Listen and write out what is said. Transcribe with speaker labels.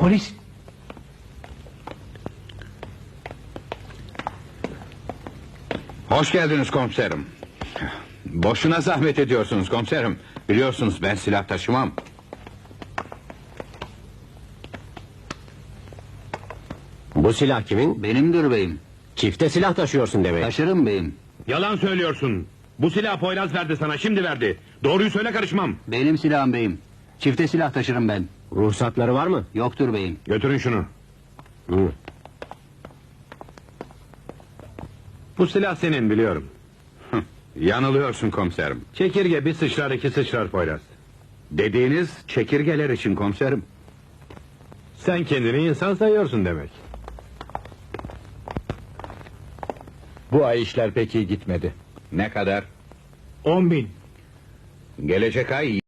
Speaker 1: Polis.
Speaker 2: Hoş geldiniz komiserim. Boşuna zahmet ediyorsunuz komiserim. Biliyorsunuz ben silah taşımam.
Speaker 3: Bu silah kimin?
Speaker 4: Benimdir beyim.
Speaker 3: Çifte silah taşıyorsun demek.
Speaker 4: Taşırım beyim.
Speaker 5: Yalan söylüyorsun. Bu silahı Poyraz verdi sana, şimdi verdi. Doğruyu söyle, karışmam.
Speaker 4: Benim silahım beyim. Çifte silah taşırım ben.
Speaker 3: Ruhsatları var mı?
Speaker 4: Yoktur beyim.
Speaker 5: Götürün şunu.
Speaker 3: Hı.
Speaker 5: Bu silah senin, biliyorum.
Speaker 2: Yanılıyorsun komiserim.
Speaker 5: Çekirge bir sıçrar iki sıçrar Poyraz.
Speaker 2: Dediğiniz çekirgeler için komiserim.
Speaker 5: Sen kendini insan sayıyorsun demek.
Speaker 1: Bu ay işler pek iyi gitmedi.
Speaker 2: Ne kadar?
Speaker 1: 10.000.
Speaker 2: Gelecek ay